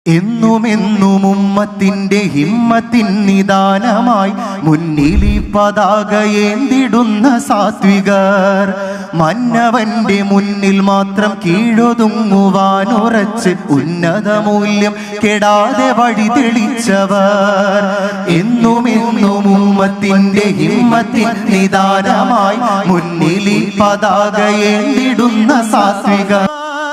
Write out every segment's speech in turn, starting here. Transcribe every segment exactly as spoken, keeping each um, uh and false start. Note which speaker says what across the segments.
Speaker 1: എന്നുമെന്നും ഉമ്മത്തിന്റെ ഹിമ്മത്തിൻ നിദാനമായി മുന്നിലി പതാകയേന്തിടുന്ന സാത്വികർ, മന്നവന്റെ മുന്നിൽ മാത്രം കീഴൊതുങ്ങുവാനുറച്ച് ഉന്നത മൂല്യം കെടാതെ വഴി തെളിച്ചവർ. എന്നുമെന്നും ഉമ്മത്തിന്റെ ഹിമ്മത്തിൻ നിദാനമായി മുന്നിലി പതാകയേന്തിടുന്ന സാത്വികർ,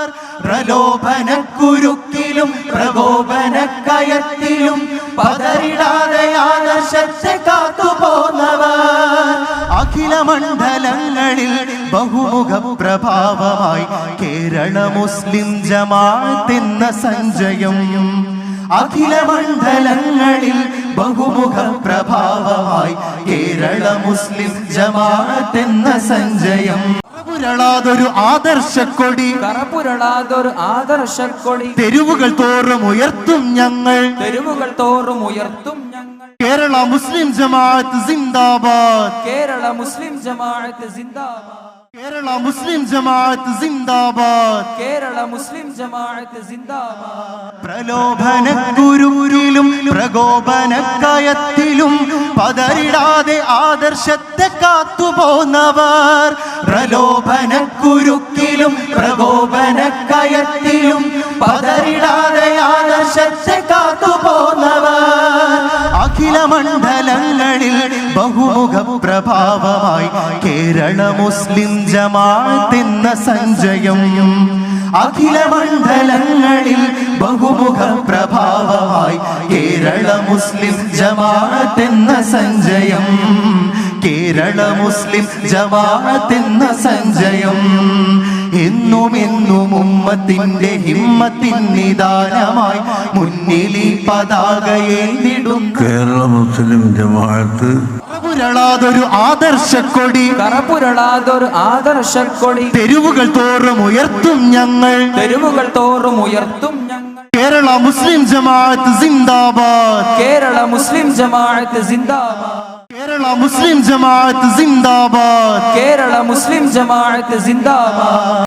Speaker 1: പ്രലോഭനക്കുരുക്കിലും പ്രകോപനക്കയത്തിലും പതറിടാതെ ആദർശത്തെ കാത്തുപോന്നവർ. അഖില മണ്ഡലങ്ങളിൽ ബഹുമുഖ പ്രഭാവമായി കേരള മുസ്ലിം ജമാഅത്ത് എന്ന സഞ്ജയം. അഖില മണ്ഡലങ്ങളിൽ ബഹുമുഖ പ്രഭാവമായി കേരള മുസ്ലിം ജമാഅത്ത് എന്ന സഞ്ജയം. കറപുരളാതൊരു ആദർശക്കൊടി,
Speaker 2: കറപുരളാതൊരു ആദർശക്കൊടി
Speaker 1: തെരുവുകൾ തോറും ഉയർത്തും ഞങ്ങൾ,
Speaker 2: തെരുവുകൾ തോറും ഉയർത്തും ഞങ്ങൾ.
Speaker 1: കേരള മുസ്ലിം ജമാഅത്ത് സിന്ദാബാദ്,
Speaker 2: കേരള മുസ്ലിം ജമാഅത്ത് സിന്ദാബാദ്,
Speaker 1: കേരള മുസ്ലിം ജമാഅത്ത് സിന്ദാബാദ്,
Speaker 2: കേരള മുസ്ലിം ജമാഅത്ത് സിന്ദാബാദ്.
Speaker 1: പ്രലോഭനക്കുരുക്കിലും പ്രകോപനക്കയത്തിലും പതറിടാതെ ആദർശത്തെ കാത്തുപോന്നവർ. പ്രലോഭനക്കുരുക്കിലും പ്രകോപനക്കയത്തിലും പതറിടാതെ ആദർശത്തെ കാത്തുപോന്നവർ. അഖില മണ്ഡലങ്ങളിൽ ബഹുമുഖ പ്രഭാവമായി കേരള മുസ്ലിം ജമാഅത്ത് എന്ന സഞ്ജയം. അഖില മണ്ഡലങ്ങളിൽ ബഹുമുഖ പ്രഭാവമായി കേരള മുസ്ലിം ജമാഅത്ത് എന്ന സഞ്ജയം. കേരള മുസ്ലിം ജമാഅത്ത് എന്ന സഞ്ജയം. എന്നും എന്നും ഉമ്മത്തിന്റെ ഹിമ്മത്തിൻ നിദാനമായി മുന്നിലി പതാകയേന്തിടും
Speaker 3: കേരള മുസ്ലിം ജമാഅത്ത്.
Speaker 1: കറപുരളാതൊരു ആദർശക്കൊടി,
Speaker 2: കറപുരളാതൊരു ആദർശക്കൊടി
Speaker 1: തെരുവുകൾ തോറും ഉയർത്തും ഞങ്ങൾ,
Speaker 2: തെരുവുകൾ തോറും ഉയർത്തും ഞങ്ങൾ.
Speaker 1: കേരള മുസ്ലിം ജമാഅത്ത് സിന്ദാബാദ്,
Speaker 2: കേരള മുസ്ലിം ജമാഅത്ത് സിന്ദാബാദ്,
Speaker 1: കേരള മുസ്ലിം ജമാഅത്ത് സിന്ദാബാദ്,
Speaker 2: കേരള മുസ്ലിം ജമാഅത്ത് സിന്ദാബാദ്.